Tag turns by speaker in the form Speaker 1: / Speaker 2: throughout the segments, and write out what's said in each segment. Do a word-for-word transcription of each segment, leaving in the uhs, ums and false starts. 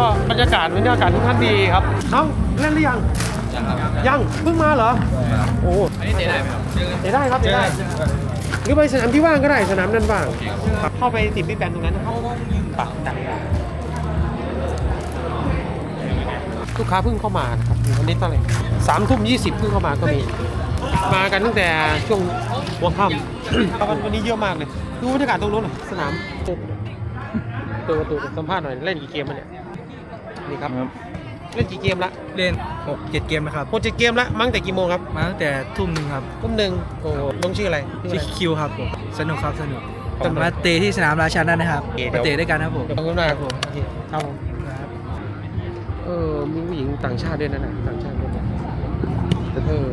Speaker 1: บรรยากาศบรรยากาศทุกท่านดีครับน้องเล่นหรือยังยังครับยังเพิ่งมาเหรอโอ้อันนี้เตะได้ไหมครับเตะได้ครับเตะได้หรือไปสนามที่ว่างก็ได้สนามนั้นว่างเข้าไปติดพี่แปนตรงนั้นนะครับปักดังลูกค้าเพิ่งเข้ามานะครับวันนี้ตั้งแต่สามทุ่มยี่สิบเพิ่งเข้ามาก็มีมากันตั้งแต่ช่วงหัวค่ำวันนี้เยอะมากเลยดูบรรยากาศตรงนู้นหน่อยสนามตัวประตูสัมภาษณ์หน่อยเล่นกี่เกมมาเนี่ยนี่ครับเล่นกี่เกมละ
Speaker 2: เล่นหกเจ็ดเกมนะครับ
Speaker 1: หกเจ็ดเกมละมั้งแต่กี่โมงครับ
Speaker 2: มาตั้งแต่ทุ่มหนึ่งครับ
Speaker 1: ทุ่มหนึ่งโอ้น้องชื่ออะไร
Speaker 2: ชื่อคิวครับผมสนุกครับสนุกมาเตะที่สนามราชานั่นนะครับมาเตะด้วยกันครับผม
Speaker 1: ขอบคุณมากครับผมครับผมเออมีผู้หญิงต่างชาติด้วยนะนะต่างชาติด้วยเออ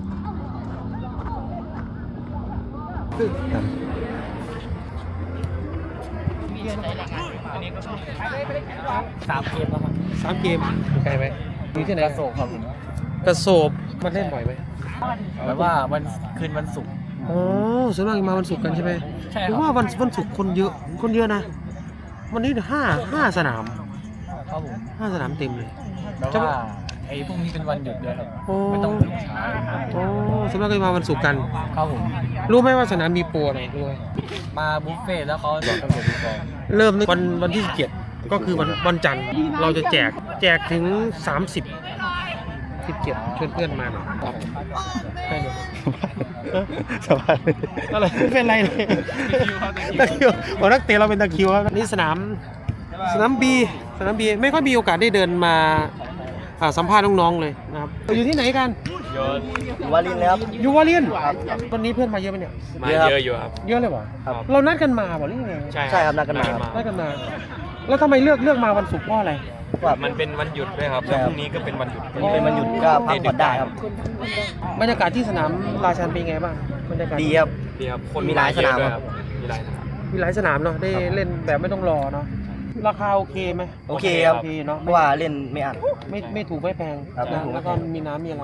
Speaker 2: สามเกมแล้วครับ
Speaker 1: สามเกมไกลไหมอยู่ที่ไหน
Speaker 2: กระโศกครับผม
Speaker 1: กระโศบมันเล่นบ่อยไหม
Speaker 2: แบบว่าวันคืนวันศุกร์
Speaker 1: อ๋อส่วนมากมาวันศุกร์กันใช่ไหม
Speaker 2: ใช่
Speaker 1: ผมว่าวันวันศุกร์คนเยอะคนเยอะนะวันนี้ห้าห้าสนาม
Speaker 2: ครับผม
Speaker 1: ห้าสนามเต็มเลย
Speaker 2: แต่ว่าไอ้พรุ่งนี้เป็นวันหยุดด้วยครับไม่ต้องถึงเช้า
Speaker 1: โอ้ส่วนมากก็มาวันศุกร์กัน
Speaker 2: ครับผม
Speaker 1: รู้ไหมว่าสนามมีโปรอะไรด้วย
Speaker 2: มาบุฟเฟ่แล้วเขาบอกกำหนดก่อน
Speaker 1: เริ่มวันวันที่สิบเจ็ดก็คือวันวันจันทร์เราจะแจกแจกถึงสามสิบ สิบเจ็ดชวนเพื่อนมาหน่อยใช่เลยสบายอะไรไม่เป็นไรเลยตะคิวบอกนักเตะเราเป็นตะคิวครับนี่สนามสนามบีสนามบีไม่ค่อยมีโอกาสได้เดินมาสัมภาษณ์น้องๆเลยนะครับอยู่ที่ไหนกัน
Speaker 2: อยู่วารินแล้ว
Speaker 1: อยู่วารินวันนี้เพื่อนมาเยอะไหมเนี่ย
Speaker 2: มาเยอะอยู่ครับ
Speaker 1: เยอะเลยเหรอเรานัดกันมาบอกหรือยังไง
Speaker 2: ใช่ใช่ครับนัดกันมา
Speaker 1: นัดกันมาแล้วทำไมเลือกเลือกมาวันศุกร์เพราะอะไร
Speaker 2: ว่ามันเป็นวันหยุดด้วยครับแล้วพรุ่งนี้ก็เป็นวันหยุดเป็นวันหยุดก็พักผ่อนได้ครับ
Speaker 1: บรรยากาศที่สนามราชันเป็นไงบ้างบรรยากาศ
Speaker 2: ดีครับดีครับคนมีหลายสนามครับ
Speaker 1: มีหลายมีหลายสนามเนาะได้เล่นแบบไม่ต้องรอเนาะราคาโอเคไหม
Speaker 2: โอเคครับ
Speaker 1: โอเคเนาะ
Speaker 2: เพราะว่าเล่นไม่อัด
Speaker 1: ไม่ไม่ถูกไม่แพงแล้วก็มีน้ำมีอะไร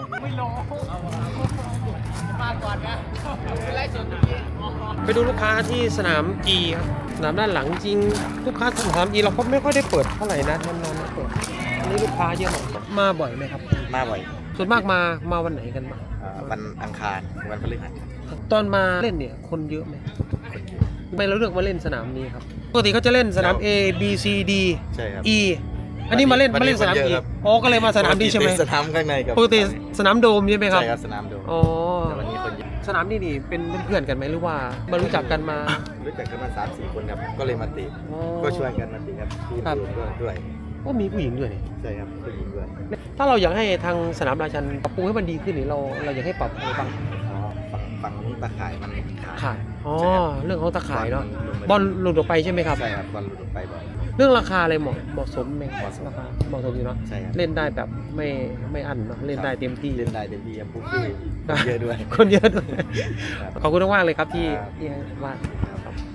Speaker 1: ไปดูลูกค้าที่สนามจีครับสนามด้านหลังจริงลูกค้าสนามจีเราก็ไม่ค่อยได้เปิดเท่าไหร่นะนานๆเปิดอันนี้ลูกค้าเยอะมากมาบ่อยไหมครับ
Speaker 2: มาบ่อย
Speaker 1: ส่วนมากมามาวันไหนกันบ้าง
Speaker 2: วันอังคารวันพฤหัส
Speaker 1: ตอนมาเล่นเนี่ยคนเยอะไหมทำไมเราเลือกมาเล่นสนามนี้ครับปกติเขาจะเล่นสนาม A B C D
Speaker 2: ใช่ครับ
Speaker 1: E อันนี้มาเล่นมาเล่นสนาม E อ๋อก็เลยมาสนามนี้ใช่ไหม
Speaker 2: สนามข้างในกับ
Speaker 1: ปกติสนามโดมใช่ไหมครับ
Speaker 2: ใช่ครับสนามโดม
Speaker 1: อ๋อ
Speaker 2: แต่วันนี้คนเยอะ
Speaker 1: สนามนี่นี่เป็นเพื่อนกันไหมหรือว่ามารู้จักกันมา
Speaker 2: รู้จักกันมา สามสี่ คนครับก็เลยมาตีก็ช่วยกันมาตีครับทีมด้วยด้วย
Speaker 1: ก็มีผู้หญิงด้วยนี่
Speaker 2: ใช่ครับผู้หญิงด้วย
Speaker 1: ถ้าเราอยากให้ทางสนามราชันปรับปรุงให้มันดีขึ้นนี่เราเราอยากให้ปรับอะไรบ้าง
Speaker 2: อ๋อฝั่งนี้ตะข่ายมัน
Speaker 1: ขาดอ๋อเรื่องของตะข่ายเนาะบอลหลุดออกไปใช่ไหมครับ
Speaker 2: ใช่ครับบอลหลุดออกไปบ่อย
Speaker 1: เรื่องราคาอะไรเหมาะเหมาะสมไหมราคาเหมาะสมอยู่เนาะ
Speaker 2: ใช่ครับ
Speaker 1: เล่นได้แบบไม่ไม่อั้นเนาะเล่นได้เต็มที่
Speaker 2: เล่นได้เต็มที่ครับผู้ที่เยอะด้วย
Speaker 1: คนเยอะด้วยขอบคุณมากเลยครับที่ที่ว่า